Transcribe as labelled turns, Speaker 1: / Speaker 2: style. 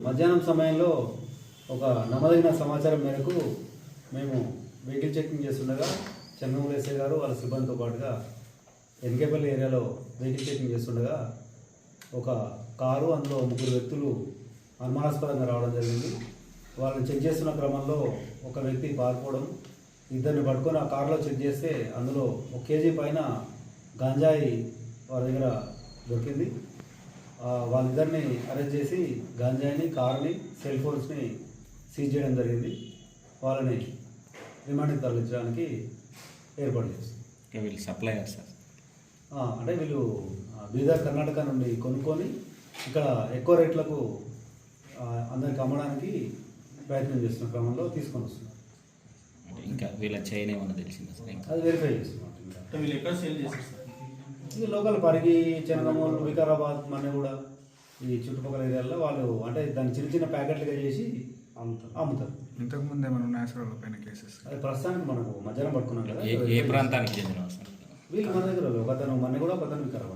Speaker 1: మధ్యాహ్నం సమయంలో ఒక నమ్మదగిన సమాచారం మేరకు మేము వెహికల్ చెకింగ్ చేస్తుండగా చెన్నమూరు ఎస్ఐ గారు వాళ్ళ సిబ్బందితో పాటుగా ఎన్కేపల్లి ఏరియాలో వెహికల్ చెకింగ్ చేస్తుండగా ఒక కారు అందులో ముగ్గురు వ్యక్తులు అనుమానాస్పదంగా రావడం జరిగింది. వాళ్ళని చెక్ చేస్తున్న క్రమంలో ఒక వ్యక్తి పారిపోవడం, ఇద్దరిని పట్టుకొని ఆ కారులో చెక్ చేస్తే అందులో 1 కేజీ పైన గాంజాయి వాళ్ళ దగ్గర దొరికింది. వాళ్ళిద్దరిని అరెస్ట్ చేసి గాంజాయిని, కారుని, సెల్ ఫోన్స్ని సీజ్ చేయడం జరిగింది. వాళ్ళని రిమాండ్కి తరలించడానికి ఏర్పాటు చేస్తాం.
Speaker 2: వీళ్ళు సప్లయర్ సార్,
Speaker 1: అంటే వీళ్ళు బీదర్ కర్ణాటక నుండి కొనుక్కొని ఇక్కడ ఎక్కువ రేట్లకు అందరికి అమ్మడానికి ప్రయత్నం చేస్తున్న క్రమంలో తీసుకొని వస్తున్నారు.
Speaker 2: ఇంకా వీళ్ళ చైన్ ఏమన్నా తెలిసిందా సార్?
Speaker 1: అది వెరిఫై చేస్తున్నాం.
Speaker 3: వీళ్ళు ఎక్కడ సేల్ చేస్తారు సార్?
Speaker 1: ఇది లోకల్ పరిగి, చెన్నమూరు, వికారాబాద్, మన్నెగూడ ఈ చుట్టుపక్కల ఏరియాల్లో వాళ్ళు అంటే దాన్ని చిన్న చిన్న ప్యాకెట్లుగా చేసి అమ్ముతారు.
Speaker 4: ఇంతకుముందు ఏమైనా ఉన్నాయా సార్ వాళ్ళ పైన కేసెస్?
Speaker 1: అది ప్రస్తుతానికి మనకు మధ్యాహ్నం పట్టుకున్నాం కదా.
Speaker 2: ఏ ప్రాంతానికి చెందిన సార్
Speaker 1: వీళ్ళు మన దగ్గర ఒకతను మన్నెగూడ, ఒకతను వికారాబాద్.